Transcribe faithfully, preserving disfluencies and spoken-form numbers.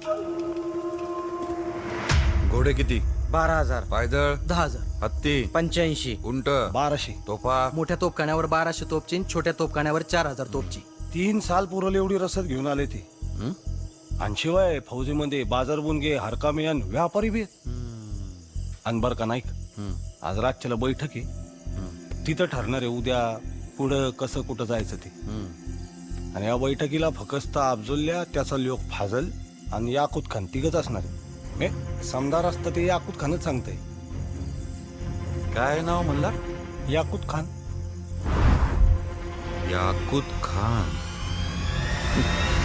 घोडे किती? बारा हजार. पायदळ? दहा हजार. हत्ती? पंच्याऐंशी. उंट? बाराशे. तोफा? मोठ्या तोपखान्यावर बाराशे तोपची, छोट्या तोपखान्यावर चार हजार तोपची. तीन साल पुरवली एवढी रसद घेऊन आले ते. आणि शिवाय फौजीमध्ये बाजार बुनगे हरकामी आणि व्यापारी बी आणि बर का नाईक, आज रातच्याला बैठक आहे. तिथं ठरणार आहे उद्या पुढं कसं कुठं जायचं ते. आणि या बैठकीला फकस्त अफजोल्ल्या, त्याचा लोक फाजल आणि याकूत खान तिघच असणार आहे. हे समदार असतं ते याकूत खानच सांगतंय. काय नाव म्हणला? याकूत खान. याकूत खान.